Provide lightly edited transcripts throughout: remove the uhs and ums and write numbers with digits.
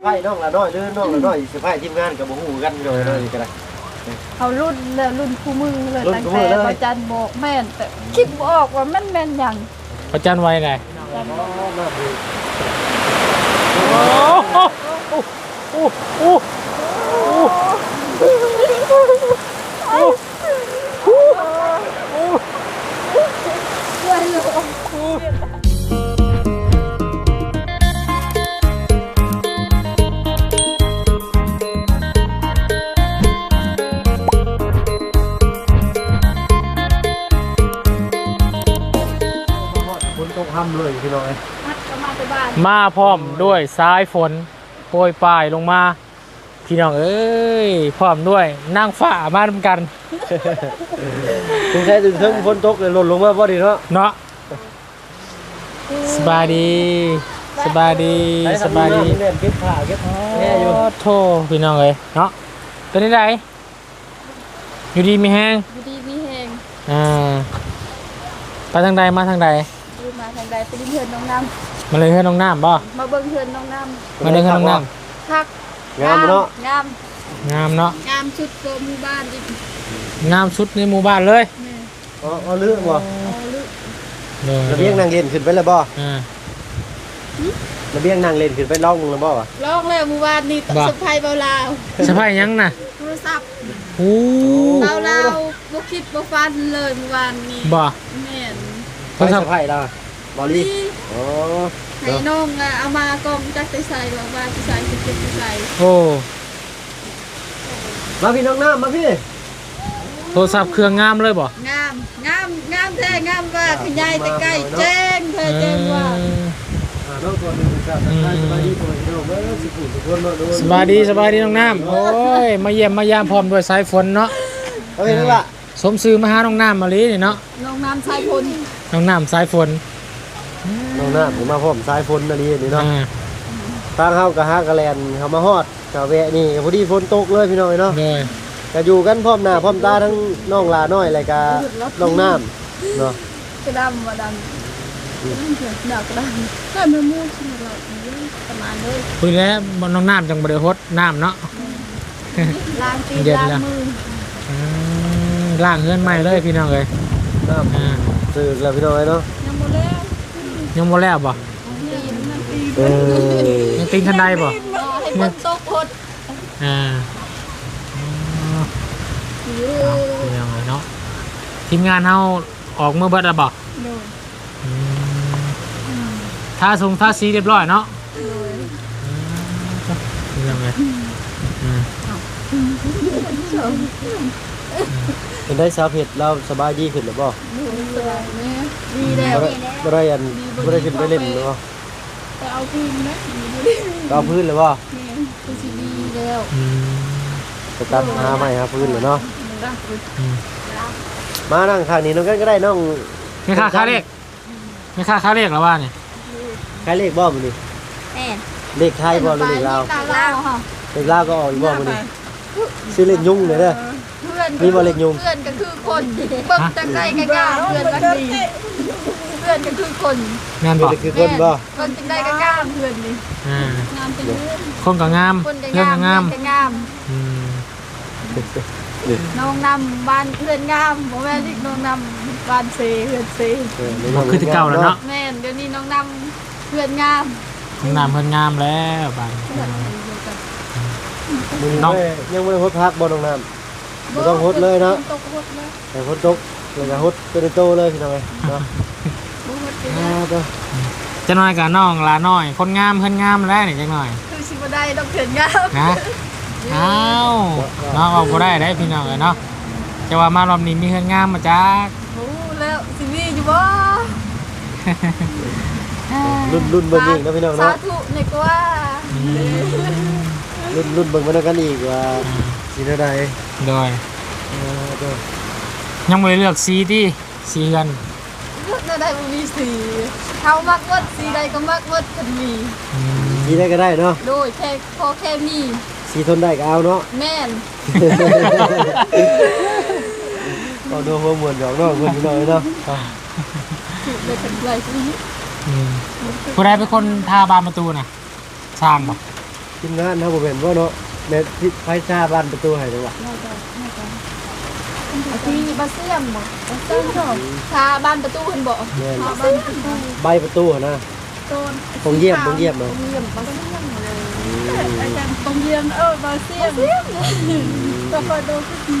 ไพ่น้องละน้อยหรือน้องละน้อยสิไพ่ทีมงานกับบ่ฮู้กันเลยก็ได้เขารุ่นคู่มือเลยตั้งแต่ประจันบอกแม่นแต่คิดบ่ออกว่ามันแม่นหยังประจันไว้ไงโอ้โอ้ต้องทำเลยพี่น้อยมาพร้อมด้วยสายฝนโปรยปลายลงมาพี่น้องเอ้ยพร้อมด้วยนั่งฝ่ามาทำกันถึงใช้ถึงเทิงฝนตกเลยหล่นลงมาพอดีเนาะสบายดีสบายดีสบายดีเก็บผ้าเก็บแห่อยู่โธ่พี่น้องเอ้ยเนาะเป็นยังไงอยู่ดีมีแห้งอยู่ดีมีแห้งไปทางใดมาทางใดมาทางใดไปดินเฮือนน้องน้ำมาเลยเฮือนน้องน้ำบ่มาเบิ่งเฮือนน้องน้ำมาเลยเฮือนน้องน้ำคักงามเนาะงามเนาะงามชุดโกหมู่บ้านอีกงามชุดในหมู่บ้านเลยเอาเรื่องบ่ระเบียงนั่งเล่นขึ้นไปแล้วบ่ระเบียงนั่งเล่นขึ้นไปล่องแล้วบ่ล่องแล้วหมู่บ้านนี่สะพายเบาลาวสะพายยังน่ะโทรศัพท์โอ้เบาลาวบ่คิดบ่ฟันเลยหมู่บ้านนี่บ่แม่นโทรศัพท์ไผล่ะบ่ลีอ๋อให้น้องเอามากองจักไปใส่บอกว่าไปใส่เก็บไปใส่โอ้มาพี่น้องน้ำมาพี่โทรศัพท์เครื่องงามเลยบ่งามแท้งามว่าขยายแต่ใกล้แจ้งเธอแจ้งว่าสบายดีน้องน้ำโอ้ยมาเยี่ยมมายามพร้อมด้วยสายฝนเนาะเอาเห็นแล้วล่ะสมซื้อมาหาน้องน้ำมาลีนี่เนาะน้องน้ำสายฝนน้องน้ำสายฝนน้องน้ำผมมาพร้อมสายฝนมาลีนี่เนาะทางเฮากะฮากะแลนเขามาฮอดกะแวะนี่พอดีฝนตกเลยพี่น้อยเนาะก็อยู่กันพร้อมหน้าพร้อมตาทั้งน้องลาน้อยอะไรกะน้องน้ำเนาะกระดำว่าดำดอกกระดำแต่ไม่มูดใช่ไหมเราประมาณเลยคุยแล้วน้องน้ำจังบริโภคน้ำเนาะล้างตีนล้างมือล้างเงินใหม่เลยพี่น้องเลยน้ำซื้อแล้วพี่น้อยเนาะยังโมแล้วบ่ยังตีนทันใดบ่ให้ฝนตกพดยังไงเนาะทีมงานเฮาออกเมื่อเบิดแล้วบ่ท่าสีเรียบร้อยเนาะยังไงเป็นได้สาวเพชรเราสบายดีขึ้นหรือเปล่าดีแล้วไม่ได้ขึ้นไปเล่นหรือเปล่าเอาพื้นนะเอาพื้นหรือเปล่าดีแล้วจะตัดหาใหม่ครับพื้นหรือเนาะมานั่งข้างนี้น้องกันก็ได้น้องไม่ค่าเลขหรอว่าเนี่ยค่าเลขบ่มันนี่เลขไทยบ่หรือเลขลาวเลขลาวก็ออกอีกบ่มันนี่ซื้อเลขยุ่งเลยเด้อมีบ่เลขยุ่งเพื่อนก็คือคนเบิ่งจังได๋ก็กล้าเพื่อนก็ดีเพื่อนก็คือคนงานบ่คือคนบ่คนจังได๋ก็กล้าเพื่อนนี่งามจังคนก็งามเพื่อนก็งามน้องนำบ้านเพื่อนงามบ่แม่นอีกน้องนำบ้านเซเพื่อนเซคือที่เก่าแล้วเนาะแม่นเดี๋ยวนี้น้องนำเพื่อนงามน้องนำเพื่อนงามแล้วบ้านน้องยังไม่ได้ฮดพักบ่น้องนำบ่ต้องฮดเลยเนาะแต่ฮดตกเลยก็ฮดเป็นโตเลยพี่น้อยเนาะจะน้อยกับน้องลาน้อยคนงามเพื่อนงามแล้วนี่จังหน่อยคือสิบ่ได้ต้องเพื่อนงามนะอ้าวน้องออกบ่ได้พี่น้องเนาะจะว่ามารอบนี้มีเพื่อนงามมาจักโอ้แล้วสิมีอยู่บ่รุ่นเบิ่งอีกนะพี่น้องเนาะสาธุนี่ก็ว่ารุ่นเบิ่งมากันอีกว่าสีเท่าใดโดยยังไม่ได้เลือกสีที่สีกันเลือกได้บ่มีสีเฮามักวัดสีใดก็มักวัดกันมีสีใดก็ได้เนาะโดยแค่มีสีทนได้ก็เอาเนาะแม่นก็ดูหัวมวนดอกเนาะคนพี่น้อยเนาะได้เป็นไรผู้ใดเป็นคนทาบานประตูน่ะสร้างบ่ทีมงานเฮาบ่แม่นบ่เนาะแม่ที่ไฟซ่าบ้านประตูให้เด้อว่ะที่บ้านเสี่ยมบ่บ้านเสี่ยมบ่ชาบ้านประตูเพิ่นบ่แม่นชาบ้านประตูใบประตูหั่นนะโซนตรงเยี่ยมเนาะตรงเยี่ยมบ้านเสี่ยมเลยอาจารย์ตรงเยี่ยมบ้านเสี่ยมก็พอดูสักที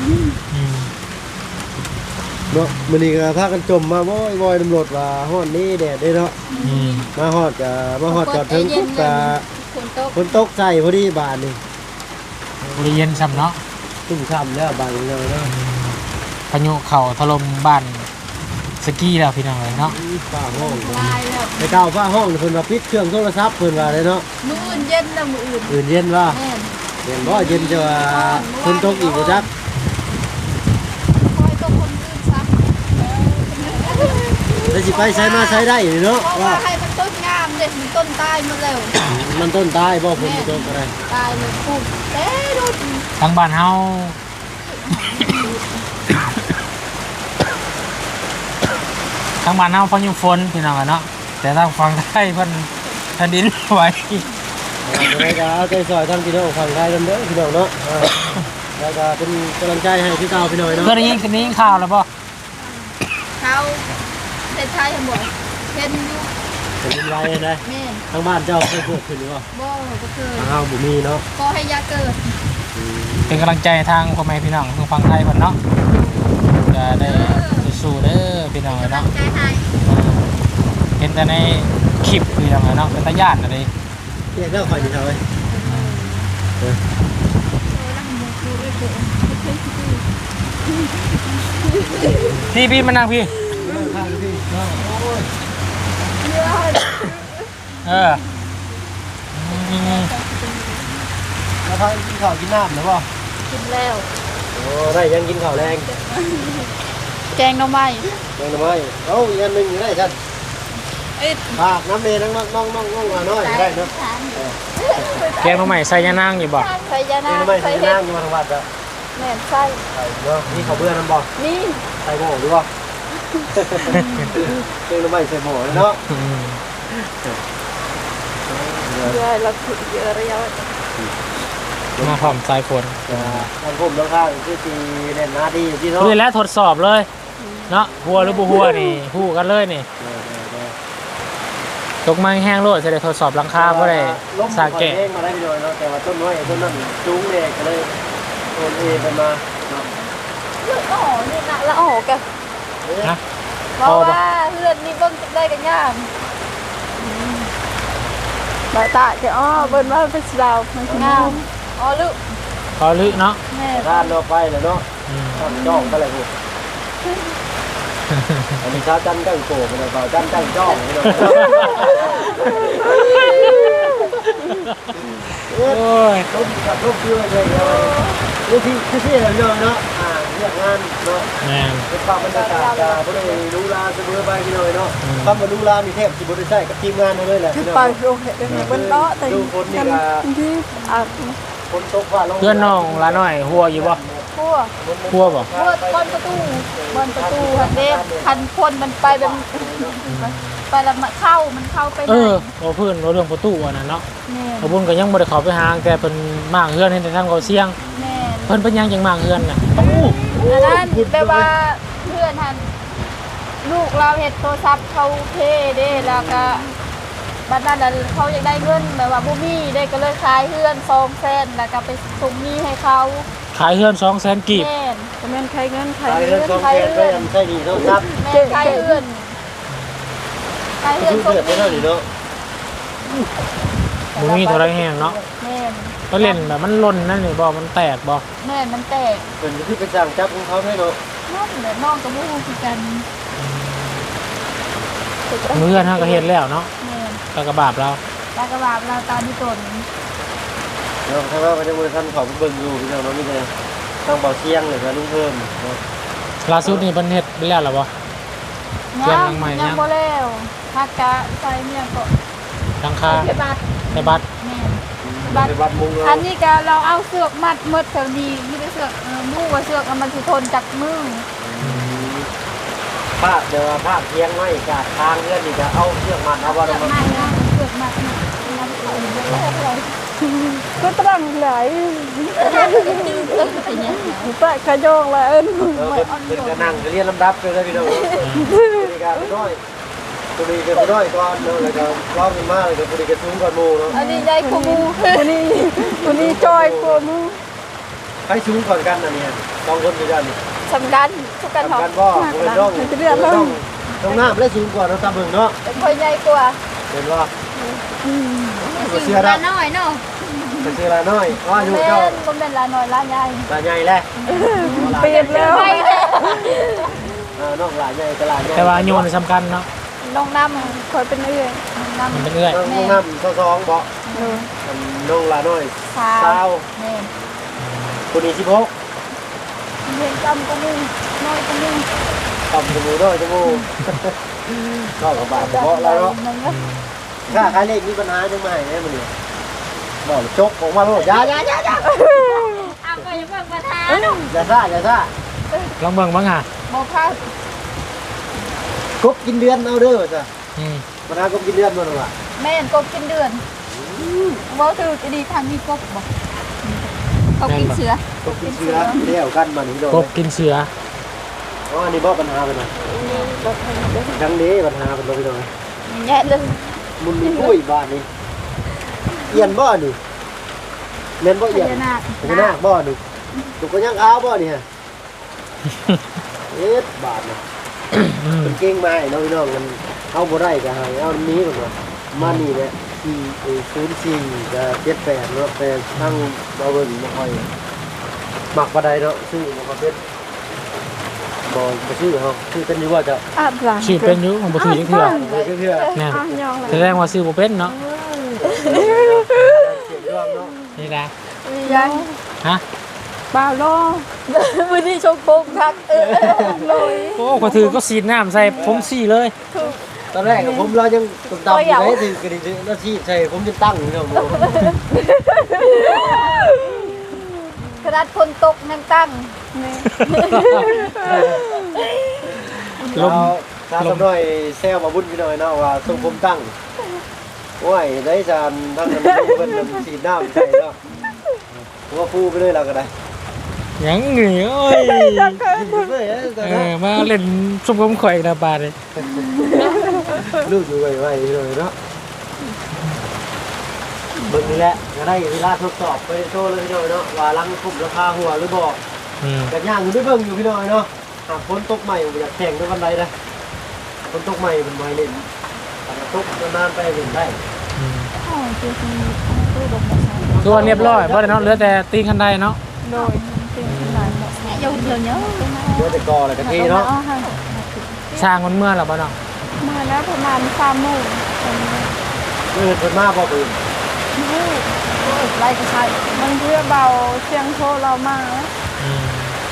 เนาะมื้อนี้ก็พากันจมมาบ่อยๆตำรวจว่าฮ้อนนี้แดดเด้เนาะมาฮอดจอดถึงปุ๊บก็ฝนตกฝนตกใส่พอดีบานนี่บริเวณซ้ำเนาะชุ่มฉ่ำแล้วบานนี้เนาะพายุเข่าถล่มบ้านสกี้แล้วพี่น้องเลยเนาะฟ้าห้องลายแล้วไปเก่าฟ้าห้องเพิ่นว่าปิดเครื่องโทรศัพท์เพิ่นว่าเลยเนาะมื้ออื่นเย็นแล้วมื้ออื่นอื่นเย็นว่าแม่นเย็นบ่เย็นจะว่าฝนตกอีกบ่จักคอยตกคนอื่นซักแล้วสิไปใช้มาใช้ได้อยู่เนาะเพราะว่าให้มันต้นงามเด็ดมันต้นตายหมดแล้วมันต้นตายบ่ฝนตกอะไรตายเลยปลูกเต้ดูทางบ้านเฮาทางบ้านเฮาพายุฝนพี่น้องอะเนาะแต่ทางฝั่งไทยเพิ่นแผ่นดินไหวจะได้ก็เอาใจซอยทางพี่น้องฝั่งไทยนำเด้อพี่น้องเนาะแล้วก็เป็นกำลังใจให้พี่เก่าพี่น้อยเนาะก็ได้ยินกันนี้ข่าวแล้วป่ะเขาเด็ดไทยหมดเห็นอยู่เป็นดินไหวได้แม่นทางบ้านเจ้าเคยเกิดขึ้นหรือเปล่าบ่ก็เคยทางเฮาบ่มีเนาะก็ให้ยาเกิดเป็นกำลังใจทางพ่อแม่พี่น้องทางฝั่งไทยเพิ่นเนาะจะได้สู้ๆเด้อพี่น้องเนาะใจให้เห็นแต่ในคลิปพี่น้องเนาะเป็นตาญาติอะไรเรียกแล้วข่อยนี่เท่าไหร่พี่มานั่งพี่ข้างพี่เออแล้วพากินข้าวกินน้ำหรือเปล่ากินแล้วโอ้ได้ยังกินข้าวแรงแกงหน่อไม้ยังทำไมเอ้าอีกอันหนึงอยู่ได้ฉันเอ้ยฝากน้ำเมย์น้องมาหน่อยได้เนาะแกงมาใหม่ใส่ยานางอยู่บ่ใส่ยานี่นาทำไมใส่ใส่เห็ดน้ำอยู่มาทางวัดอะแม่นใส่ใส่เนาะนี่เขาเบื่อน้ำบ่นี่ใส่หม้อหรือเปล่าเรื่องทำไมใส่หม้อเนาะเยอะเราถือเยอะระยะมาพร้อมสายฝนทางผมน้องข้างคือตีเล่นหน้าดีอยู่ที่เนาะนี่แหละทดสอบเลยเนาะหัวหรือบ่หัวนี่ฮู้กันเลยนี่ตกมาแห้งโลดจะได้ทดสอบหลังคาบ่ได้สาแกะล้มเองมาได้พี่น้อยเนาะแต่ว่าต้นน้อยต้นนั้นจุ้งเด็กก็เลยโอนเอไปมาเนาะเลือดอ๋อนี่นะละอ๋อแกนะเพราะว่าเลือดนี่เบิ่งได้กันยากบาตาจะอ๋อเบิ่นว่าเป็นสาวมันงามอ๋อลึพอลึเนาะแม่ร้านเราไปเลยเนาะทำจ้องก็เลยพูดอันนี้ชาวจันตั้งโกงเลยเปล่าจันตั้งจ้องเนาะโอ้ยลูกกับลูกชื่ออะไรเลยลูกที่เราเนาะเนาะเรื่องงานเนาะแม่นเป็นความบรรยากาศบริเวณดูลาเสมอไปพี่น้อยเนาะคำว่าดูลามีเทพสิบริษัทกับทีมงานเลยแหละไปโรงเห็ดเบิ่นเนาะแต่ดูคนนี่ละที่อ่ะคนตกฟ้าลงเพื่อนน้องละน้อยหัวอยู่บ่ทั่วหัวบ่เมื่อบนประตูหันเด้คันคนมันไปแบบไปแล้วมันเข้าไปเอไหนอบ่เพิ่นเรื่องประตูอันนั้นเนาะแม่ขบุญก็ยังบ่ได้เข้าไปหาแต่เพิ่นมางเฮือนเห็นแต่ทางเขาเสียงแม่เพิ่นเป็นหยังจังมางเฮือนน่ะอันนั้นแปลว่าเพื่อนหันลูกเราเฮ็ดโทรศัพท์เขาเทเด้แล้วก็บัดนั้นน่ะเขาอยากได้เงินแบบว่าบ่มีได้ก็เลยขายเฮือน200,000แล้วก็ไปส่งหนี้ให้เขาขายเฮือน200,000กีบแม่นก็แม่นขายเงินใครเรื่องต้องแทนก็ยังใช่ดีเท่าครับแม่นขายเฮือนขายเฮือนชื่อส่งเดือดหไม่นี้เท่านี้เนาะบ่มีเท่าไรแฮงเนาะแม่นก็เล่นแบบมันหล่นนั่นนี่บ่มันแตกบ่แม่นมันแตกเป็นที่เป็นจ้างจับของเขาได้เนาะน้องเหลือน้องก็บ่ฮู้คือกันเฮือนเฮาก็เฮ็ดแล้วเนาะแม่นก็กระบาปเราตากระบาบเราตาที่ตนเนาะถ้าว่ามันจะบริษัทของเบิ่งอยู่พี่น้องเนาะมีแต่ต้องเบาเสียงเลยนะลุงเพิ่มเนาะล่าสุดนี่เพิ่นเฮ็ดไปแล้วเหรอบ่ เตรียมหลังใหม่ยังยังบ่แล้วฮักกะใส่เนี่ยก็หลังคาเก็บบัตรในบัตรแม่ในวัดมุงอัเรานนี้ก็เราเอาเสือกมัดหมดแถวนี้มีแต่เสือกมู่ว่าเสือกมันสิทนจากมือภาพเดี๋ยวภาพเทียงไว้กาดทางเงื่อนนี่จะเอาเชือกมัดเอาว่าเสืเราอกมัดนะเสือกมัดนะก็ตรังหลายแปะขยงเลยเป็นกระนั่งเรียนลำดับเลยพี่น้องมีการน้อยตัวนี้เป็นน้อยก่อนเนาะแล้วก็ร้องกันมากเลยตัวนี้ก็สูงก่อนหมู่เนาะอันนี้ใหญ่กว่าหมูวันนี้จอยกว่าหมูใครสูงก่อนกันน่ะเนี่ย2คนด้วยกันสำคัญทุกการสำคัญบ่เป็นน้องต้องน้ำได้สูงกว่าเราตาเบิ่งเนาะเป็นคนใหญ่กว่าเห็นว่าเชื่อลาได้น้อยเนาะเชื่อละน้อยว่าอยู่เป็นเจ้าคนเป็นลาน้อยลาใหญ่ละใหญ่แหละเปลี่ยนแล้วน้องละใหญ่กับละใหญ่แต่ว่าโยนสำคัญเนาะน้องน้ำคอยเป็นเอื้อยน้องมันน้ำเป็นเอื้อยน้องน้ำ2บ่น้องละน้อยสาว 20 แม่คนนี้16 เห็นจำก็มึงน้อยก็มึงต่ำจมูกน้อยจมูกก็กับบาดเพาะแล้วเนาะค่าขายเลขมีปัญหาจังไหมเนี่ยมันเนี่ยบอกจกออกมาโลดอย่าเอาไปยังเบิ่งประธานอย่าซ่าลองเบิ่งบ้างอ่ะบอกค่ะกบกินเดือนเอาเด้อจ้ะอืมปัญหากบกินเดือนมันว่ะแม่นกบกินเดือนว่าถือจะดีทางมีกบบอกกบกินเสือกบกินเชื้อเลี้ยวกันมานี่โดนกบกินเสืออ๋ออันนี้บ่ปัญหาเป็นไงดังนี้ปัญหาเป็นบ่พี่น้องแย่เลยมุนมีกุ้ยบ้านนี่เอียนบ่นี่เล่นบ่เอียนพญานาคพญานาคบ่นี่ตุกก็ยังอ้าวบ่นี่ฮะเอ็ดบาทนี่ เป็นเก่งมาให้น้องพี่น้องกันเอาบ่ได้ก็ให้เอานี้ก่อนว่ามานี่แหละ04กับ78เนาะแต่ทั้งบ่เบิ่งบ่ค่อยมักปานใดเนาะซื้อบ่ค่อยเป็นบ่ซื้อเฮาซื้อเป็นอยู่ว่าจะอาบหลังชื่อเป็นอยุของบ่ถือจักเทื่อบ่ซื้อเพื่อแน่นยองเลยแสดงว่าซื้อบ่เป็นเนาะเสียงรอบเนาะนี่นะยังฮะบ่าวรอวันนี้ชกโป่งทักลอยโอ้ก็ถือก็สีดน้ำใส่ผมสีเลยตอนแรกผมเรายังตำอยู่ได้ถึงกระดิ่งนาทีใช่ผมจะตั้งอยู่เนาะกระดาษคนตกนั่งตั้งลมตาสำน้อยแซวมาบุญพี่น้อยเนาะว่าทรงผมตั้งโอ้ยได้จานทั้งนั้นเพิ่นสีน้ำใช่เนาะผมว่าฟูไปเลยเราก็ได้ยังเหนื่อยโอ้ยเลยตอนเอนั้นอมาเล่นซุปผมข่อยนะบาดเลยลูกอยู่ไวๆพี่น้อยเนาะเบิ่งนี่แหละก็ได้เวลาทดสอบไปโชว์เลยพี่น้อยเนาะว่าลังคุมราคาหัวหรือบ่อืมกันย่างอยู่ด้วยเบิ่งอยู่พี่น้อยเนาะหากฝนตกใหม่อยากแข่งด้วยวันใดนะฝนตกใหม่เป็นไม้เล่นแต่ตกนานๆไปเล่นได้อืมอ๋อจริงๆตู้ดมมาใช้คือว่าเรียบร้อยบ่ได้เนาะเหลือแต่ตีนคันไดเนาะโดยจริงๆหลายแบบเยอะเยอะเยอะเดี๋ยวจะกออะไรกันทีเนาะสร้างมันเมื่อแล้วบ่เนาะมาแล้วประมาณ3 โมงคนมาพอปืนไล่กระชายมันเพื่อเบาเสียงโทรเรามาอืม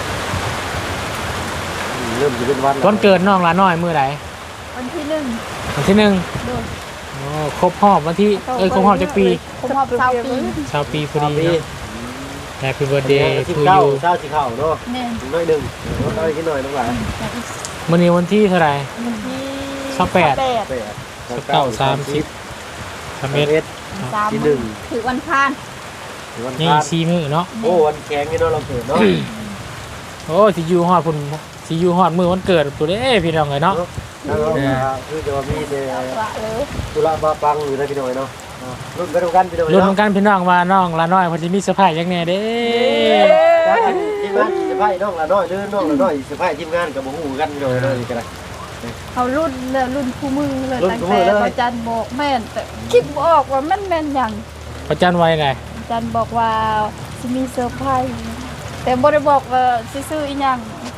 เริ่มจะเป็นวันวันเกิดน้องหลาน้อยมื้อใดวันที่1 วันที่โดย 1โอ้ครบรอบวันที่ครบรอบจักปีผมหอบ20 ปีชาวปีพอดีปีเนาะ Happy birthday สิบ to เก้า you เช้าสิเข่าเนาะเนี่ยน้อยหนึ่งน้อยขึ้นหน่อยน้องหลานมื้อนี้วันที่เท่าไหร่วันที่ 28 8 30 ที่หนึ่งถือวันพานวันนี่พาน 4มื้อเนาะโอ้วันแข็งนี่เนาะเราเกิดเนาะโอ้สิอยู่ฮอดพุ่นสิอยู่ฮอดมื้อวันเกิดตัวเด้พี่น้องเอ้ยเนาะแล้วคือจะว่ามีแต่ละเลยตุลาบาปังอยู่นะพี่น้อยเนาะรุ่นไปตรงกันพี่น้อยรุ่นเนาะกันพี่น้องว่าน้องหลาน้อยเพิ่นสิมีเซอร์ไพรส์จังแน่เด้ทีมงานสิพายน้องละน้อยเด้อน้องละน้อยสิพายทีมงานกับบ่ฮู้กันพี่น้อยเนาะนี่ก็ได้เอารุ่นเลยรุ่นคู่มือเลยรุ่นตั้งคู่มืแต่อเลยอาจารย์บอกแม่นแต่คิดบ่ออกว่าแม่นอย่างประจันไว้ไงอาจารย์บอกว่าสิมีเซอร์ไพรส์แต่บ่ได้บอกว่าสิซื้ออีหยัง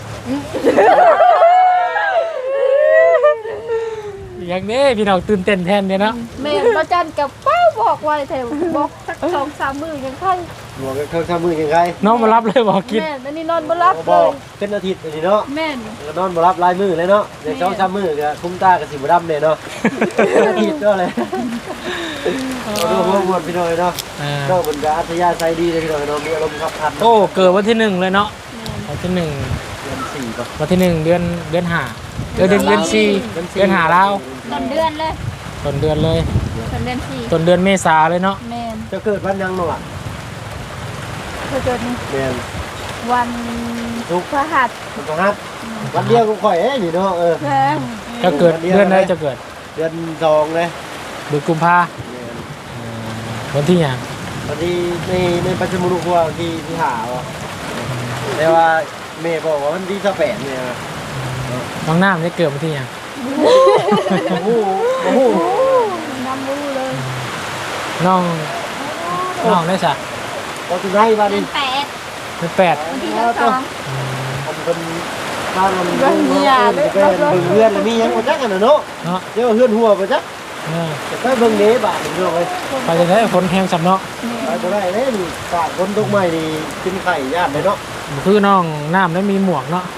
อย่างนี้พี่น้องตื่นเต้นแทนเนี่ยเนาะแม่นอาจารย์กับป้าบอกไว้แต่บอกสัก2-3 มื้อยังค่อยหัวกันเครื่องทำมือยังไงน้องมารับเลยบอกกินแม่นอันนี้นอนบ่หลับบเลอกยเป็นอาทิตย์นี่เนาะแม่นก็นอนบ่รับลายมือเลยเนาะเดี๋ยว2-3มื้อก็คุ้มตากับสิบ่ดำเลยเนาะอาทิตย์ก็เลยเอาดูพวกพี่น้อยเนาะอ่าก็มันก็อัธยาศัยดีเลยพี่น้อยเนาะมีอารมณ์ขับขันโอ้เกิดวันที่1เลยเนาะวันที่1 เดือน4ป่ะวันที่1เดือน5เดือน4เดือน5แล้วต้นเดือนเลยต้นเดือนเลยเต้นเดือนสี่ต้นเดือนเมษาเลยเนาะแมนจะเกิดวันยังเนาะเกิดนี่แม่นวันศุกร์พฤหัสวันพฤหัสวันเดียวก็ข่อยนี่เนาะแมนจะเกิดเดือนไหนจะเกิดเดือน2เลยเดือนกุมภาวันที่หยังวันที่ในปัจจุบันครัวที่หาว่ะแต่ว่าแม่บอกว่าวันที่28เนี่ยน้องน้ำจะเกิดวันที่หยังโอ้โหน้ำรู้เลยน้องได้สะเราถึงให้บ้านนี้แปดเป็นแปดวันที่สองผมเป็นบ้านมันเพื่อนเพื่อนแล้วมียังบ่จักกันเนาะเนาะเดี๋ยวเพื่อนหัวบ่จักเออจะไปเบิ่งเด้บาดนี่เนาะเว้ยไปจะได้ฝนแห้งสำเนาะไปบ่ได้เด้นี่ฝากคนตกใหม่นี่กินไข่ญาติเลยเนาะคือน้องน้ำแล้วมีหมวกเนาะ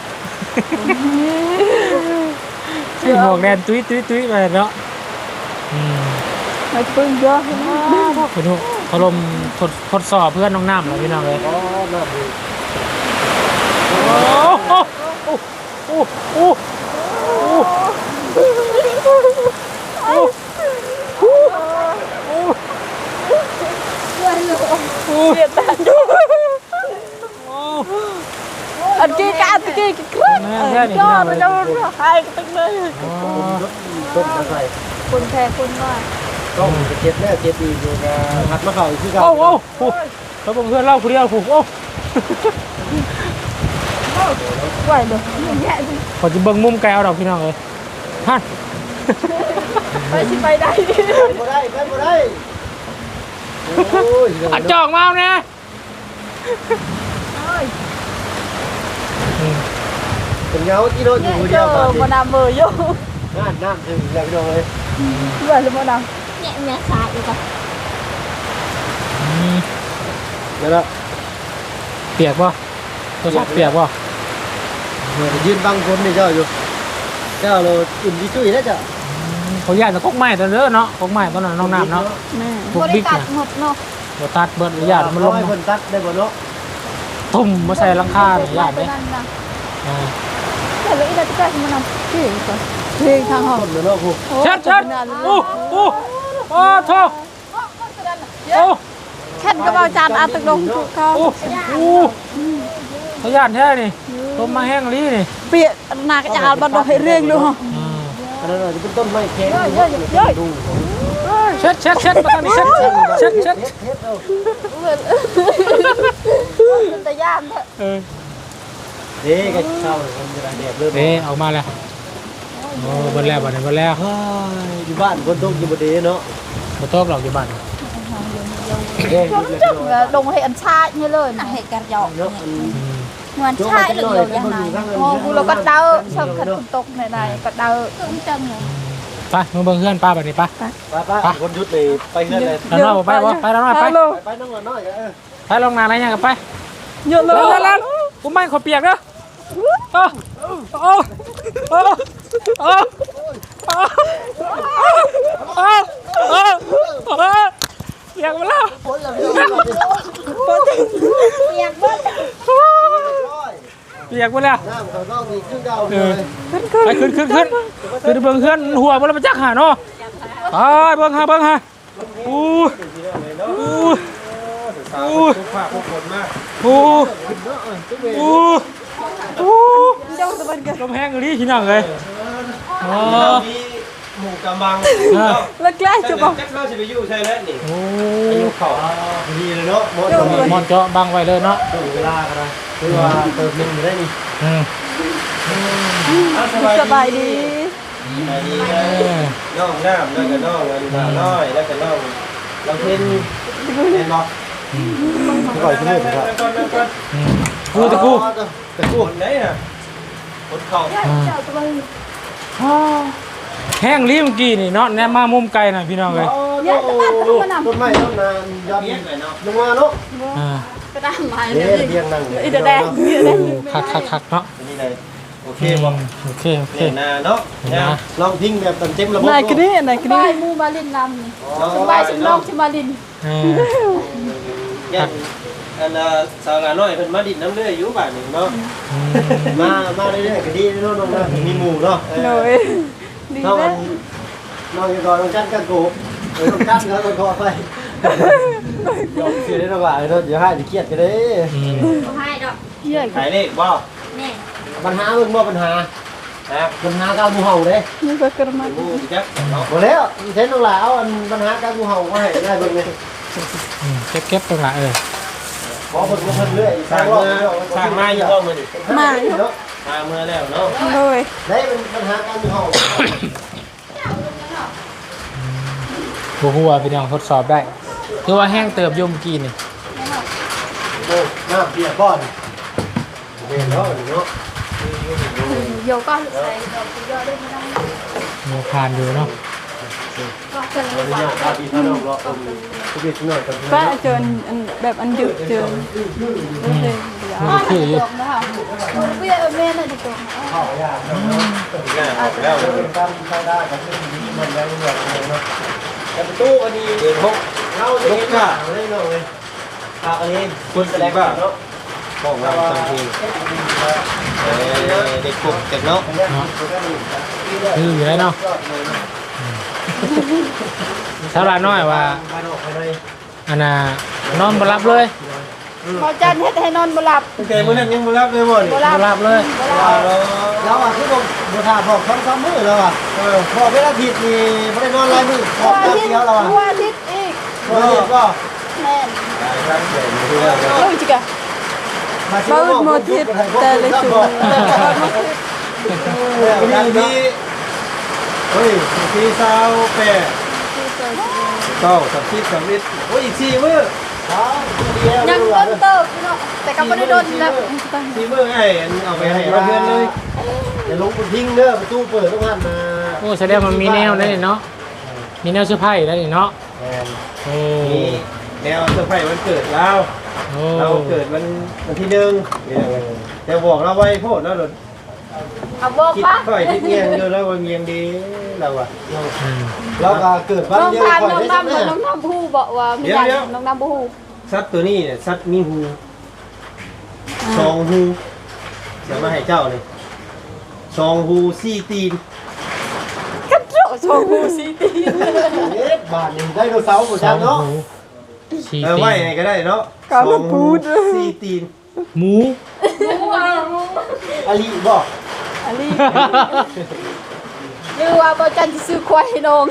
มีหมวกแดนตุ้ยไปเนาะไม่ปึ้งเยอะใช่ไหมคุณทุกอารมณ์ทดสอบเพื่อนน้องน้ำเลยพี่น้องเลยอ๋อน่าดีโอ้โอ้เสียดายอันกี้กันอันกี้ครึ่งยอดมันจะหายตั้งเลยต้นมาใส่คุณแพ้คุณว่าต้องเจ็บแน่เจ็บอีกอยู่นะหัดมาเข้าอีกคือเก่าโอ้แล้วเพื่อนเล่าคนเดียวผูกโอ้ไหวเลยแย่จริงขอจะเบิ่งมุมไกลเอาดอกพี่น้องเลยฮั่นไปสิไปได้บ่ได้ไปบ่ได้โอ้ยอัดจอกมาเอาเนี่ยเป็นเงาที่โดนอยู่เดีเจยวอตอนมานี้ดามเบอร์โย่น้ำถึงแล้วพี่น้องเลยไหวเลยมาดามเนี่ยแม่สายอีกอ่ะแล้วเปียกป่ะตัวชอบเปียกป่ะยืนบังคนนี่เจ้าอยู่เจ้าเราอุ่นที่ช่วยแล้วจ้ะเขาอยากจะกกไม้ตอนเด้อเนาะกกไม้ตอนนั้นน้องน้ำเนาะแม่พวกบบิ๊ริกการเนี่ยหมดเนาะบตัดเบิดญาติมันลงให้คนตัดได้บ่เนาะตุ่มมาใส่หลังคาเนี่ยญาติไปเนี่ยนั่นนะแต่เลยอีกแล้วจะมาดามที่ก่อนที่ทางห้องคนเนาะพวกชัดโอ้โทษโอ้แค่กระเป๋าจานอาตึกลงถูกเขาโอ้เขาญาติแท้นี่ต้มมาแห้งลีนี่เปียนากจะเอาบันดาให้เรื่องเลยฮะอันนั้นจะเป็นต้นไม้แข็งดูเช็ดมาตอนนี้เช็ดเป็นตะย่านเถอะเออเด็กเข้าคนจะได้แดดเริ่มเด้ออกมาแล้วโอ้บนแล้วบนแล้วอยู่บ้านคนตกอยู่บ่ดีเนาะบ่ตกหรอกอยู่บ้านเด็กจังลงให้อันชาเนี่ยเลยนะให้กันหยอกเนาะเหมือนชาเหลืองอย่างไรโอ้กูเราก็เดาเชิงขันตกในก็เดาจังเลยไปมึงเบิ่งเพื่อนป้าแบบนี้ป้าป้าคนยุดเลยไปเฮือนเลยแล้วน้องไปวะไปแล้วน้องไปไปน้องน้อยเออไปลงนาอะไรยังกับไปเยอะเลยแล้วกูไม่ขอเปียกเด้อโอ้โอ้โอ้โอ้เปียกมาแล้วเปียกบ้านเปียกมาแล้วน้ำเขาต้องมีขึ้นเก่าเลยไปขึ้นเบิ่งเพื่อนหัวมันมาจักหาเนาะไปเบิ่งหาอู้ฝากพวกคนมากเจ้าตะวันกันลมแห้งเลยที่นั่งเลยอ๋อหมู่กำบังแล้วใกล้จะบอกแจ็คเข้าสิไปอยู่ใช่แล้วนี่โอ้อยู่เขาดีเลยเนาะหมดมอนเจาะบังไว้เลยเนาะถึงเวลากันนะคือว่าเติมนึงอยู่ได้นี่สบายดีน้องน้ำแล้วก็น้องอันดาน้อยแล้วก็น้องเราเพิ่นเห็นบ่ก่อยขึ้นเลยครับกูตะกูตะกูไหนน่ะรถเขาเจ้าตะวันแห้งลิ้มกี้นี่เนาะแนมมามุมไกลน่ะพี่น้องเลยต้นไม้ต้นนานยอดลงมาเนาะก็ได้หมายเดี๋ยวเรียงนั่งเลยอีเดแดงคักเนาะนี่เลยโอเคบ่โอเคนาเนาะลองทิ้งแบบเต็มระบบนายกนี่นายกนี่มูมาลินลำนี่สบายสมน้องชิมาลินยันอันสาวน้อยเพิ่นมาดินน้ำเลื่อยอยู่บ้านนึงเนาะมาเรื่อยๆก็ดีเนาะน้องมีหมู่เนาะเลยดีน้องเลยน้องอยู่ก่อนน้องจันกันกูต้องกั้นแล้วต้องคอไปยอมเสียได้ระหว่างเนาะเดี๋ยวให้เครียดกันเด้บ่ให้ดอกเหี้ยขายเลขบ่แน่ปัญหามึงบ่ปัญหาปัญหาการงูเห่าเด้นี่ก็กระมังงูจักหมดแล้วเช่นน้องหลาเอาอันปัญหาการงูเห่ามาให้ได้เบิ่งเลยเก็บตรงละขอเพิ่นเพิ่นเรื่อยสร้างมาอยู่บ่มื้อนี้มาอยู่เนาะมาเมื่อแล้วเนาะเลยได้เป็นปัญหาการงูเห่าหัวพี่น้องทดสอบได้คือว่าแห้งเติบยมกินนี่โอ้น้าเปียกก่อนเห็นแล้วเนาะโยก็ใส่ดอกยอได้ไม่ได้มีทานอยู่เนาะก็เกินขออนุญาตพาพี่น้องรอทุกทีหน่อยกันป้าเจอแบบอันดึกเจอคืออยู่ตรงนะคะเบี้ยแม่น่ะจะตรงเข้ายากเนาะแล้วเป็นการใช้ได้กับที่มันได้เงินเนาะแต่ประตูก็ดีเดินหกเราจะกินข้าวได้เนาะเลยข้าวอันนี้คุณแสดงเนาะของเราบางทีเด็กกลุ่มเด็กเนาะคืออยู่แล้วเนาะสาวลาน้อยว่าอันน่ะนอนบ่หลับเลยพอจันเฮ็ดให้นอนบ่หลับตั้งแต่มื้อนั้นยังบ่รับเลยบ่นี่บ่หลับ่หลับเลยเราอ่ะคือบ่ท่าพอก2-3มื้อแล้วอ่ะพอเวลาผิดนี่บ่ได้นอนหลายมื้อพอกแป๊บเดียวแล้วอ่ะทั่วอาทิตย์อีกบ่เห็นบ่แม่นครับเดี๋ยวดูแล้วลูกจิกะบ้าโมทิตแต่เลยจุดมีเฮ้ยที่เศร้าแปะเก้าสับทิศสับวิทโอ้ยอีก4มื้อยังต้นเติบเนาะแต่ก็บ่ได้โดนแล้ว 4มื้อให้เอาไปให้เราเพื่อนเลยอย่าลงบนทิ้งเด้อประตูเปิดต้องหันมาโอ้แสดงมันมีแนวได้เนาะมีแนวเสื้อผ้าได้เนาะโอ้นี่แนวเซอร์ไพรส์วันเกิดเราโอ้เราเกิดวันที่1แต่บอกเราไว้โพดแล้วเอาบอกคิดปะค่อยที่เงียงอยู่แล้วว่าเงียงดีเราอะเราก็เกิดวันน้องเดียวทานค่อยน้องได้น้ำแม่น้องน้ำผู้บอกว่ามีอย่างน้องน้ำผู้สัตว์ตัวนี้เนี่ยสัตว์มีหู2 หูจะมาให้เจ้าเลย2 หู4 ตีนโชว์ผู้ซีตีบาทนึงได้โดเสาร์หมดจังเนาะสี่ไว้ไงก็ได้เนาะ2 หู 4 ตีนหมูอลีบอกอันนี้ยือว่าบอจันจะซื้อควายให้น้อง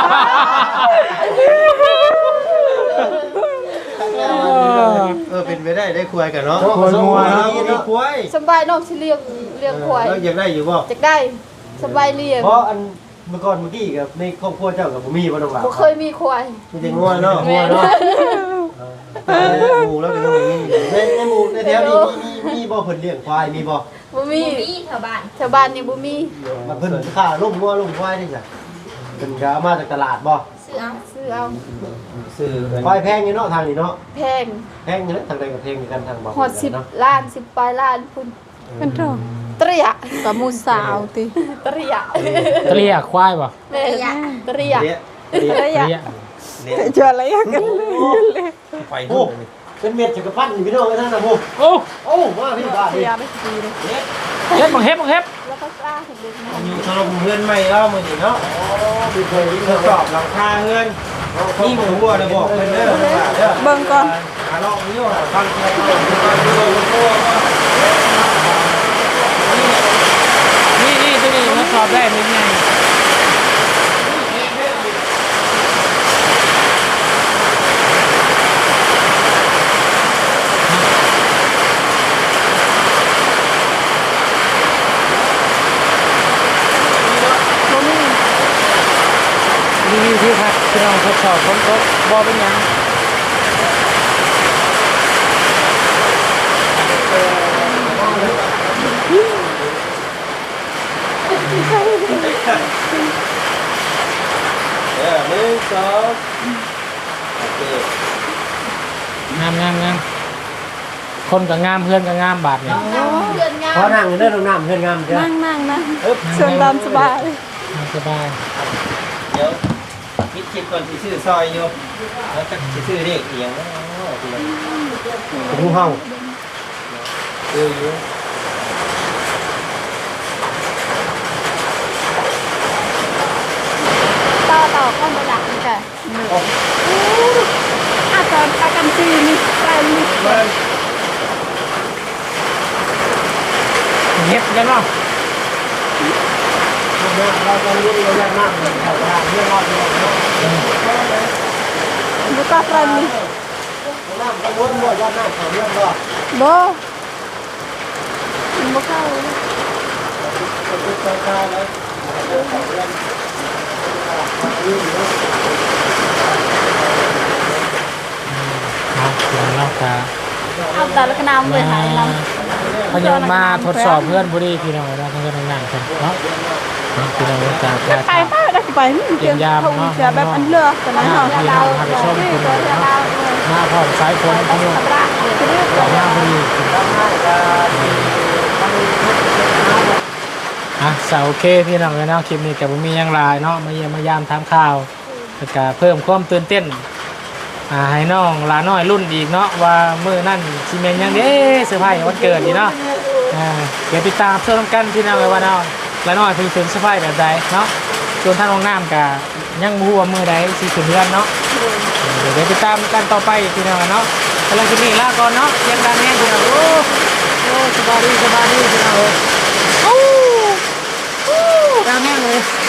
เป็นไปได้ได้ควายกันเนาะควายงัวมีควายสบายน้องสิเลี้ยงควายแล้วอยากได้อยู่บ่จะได้สบายเลี้ยงเพราะอันเมื่อก่อนเมื่อกี้กับในครอบครัวเจ้ากับผมมีบ่ต้องหลับบ่เคยมีควายมีแต่งัวเนาะงัวเนาะหมูแล้วเป็นต้องมีในหมูในแถวนี้มีบ่เพิ่นเลี้ยงควายมีบ่บ่มีมีแถวบ้านชาวบ้านนี่บ่มีมันเพิ่นค่าลุ่มงัวลุ่มควายนี่จ้ะเพิ่นก็เอามาจากตลาดบ่ซื้อเอาซื้อเอาซื้อควายแพงอยู่เนาะทางนี้เนาะแพงแพงอยู่เนาะทางใดก็แพงเหมือนกันทางบ่ฮอด10 ล้าน10ปลายล้านพุ่นกันเถอะเตรียกับมูสาวติเตรียเตรียควายป่ะแม่เตรียเลี้ยเตเตรียเจออะไรกันไปโอ้เป็นเม็ดจักรพรรดิพี่น้องไอ้ท่านน่ะโอ้โอ้โอ้มาพี่บ้านเตรีนี่ยไปดีเลยเฮ็บบังเฮ็บบังเฮ็บแล้วก็กล้าเห็นเด็กน้อยอยู่ถล่มเฮือนใหม่เล่ามื้อนี้เนาะคือเคยทดสอบหลังคาเฮือนนี่หมูบัวได้บอกเพิ่นเด้อเด้อเบิ่งก่อนหาลองนี้ว่าฟังเสียงก่อนนี่ตัวนี้ทดสอบได้เป็นไงรีวิวที่พักพี่น้องทดสอบฝนตกบ่เป็นหยัง 1 2โอเคงามคนก็งามเพื่อนก็งามบาดเนี่ยเดือนงาพอมนั่งเด้อน้องน้ำเฮือนงามจ้ะนั่งนะเชิญตามสบายสบายเดี๋ยวคิดก่อนสิซื้อซอยอยู่แล้วจะสิซื้อเลขอีหยังเนาะงูเห่าอยู่ต่อเข้ามาดักนี่ค่ะอาจจะอากันจีนี่แปลนนี่เงียบกันเนาะเราต้องรู้เราอยากนั่งแถวทางเรื่องรอดเนาะบุกาแปลนนี่นั่งกังวลบ่อยากนั่งแถวเรื่องรอดบ่บุกาติดใจตายเลยนี่เนาะเนาะค่ะเอาแต่ละกระนำเลยหายนพยายมาทดสอบเพื่อนบุรีพี่น้องเราเพื่อนนั่งกันเนาะพี่น้องจากไปป้าได้ไปนี่เกี่ยวเขาจะแบบอันเลือกกันนะเนาะพี่น้องพาไปชมพี่น้องเนาะมาพร้อมสายฝนพี่น้องหน้าบุรีโอเคพี่น้องเลยเนาะคลิปนี้กับผมมียังลายเนาะมาเยี่ยมมายามทำข่าวแล้วก็เพิ่มความตื่นเต้นให้น้องหลาน้อยรุ่นอีกเนาะว่ามื้อนั่นสิแม่นยังเด้เซอร์ไพรส์วันเกิดนี่เนาะเดี๋ยวติดตามชมกันพี่น้องเลยว่าน้องหลาน้อยเพิ่นเป็นเซอร์ไพรส์แบบใดเนาะส่วนทางน้องน้ำก็ยังบ่ฮู้ว่ามื้อใดสิขึ้นเรือนเนาะเดี๋ยวติดตามกันต่อไปพี่น้องเนาะสำหรับคลิปนี้ลาก่อนเนาะเพียงดังแน่พี่น้องโอ้สบายดีพี่น้องเอ้ยดังแน่เลย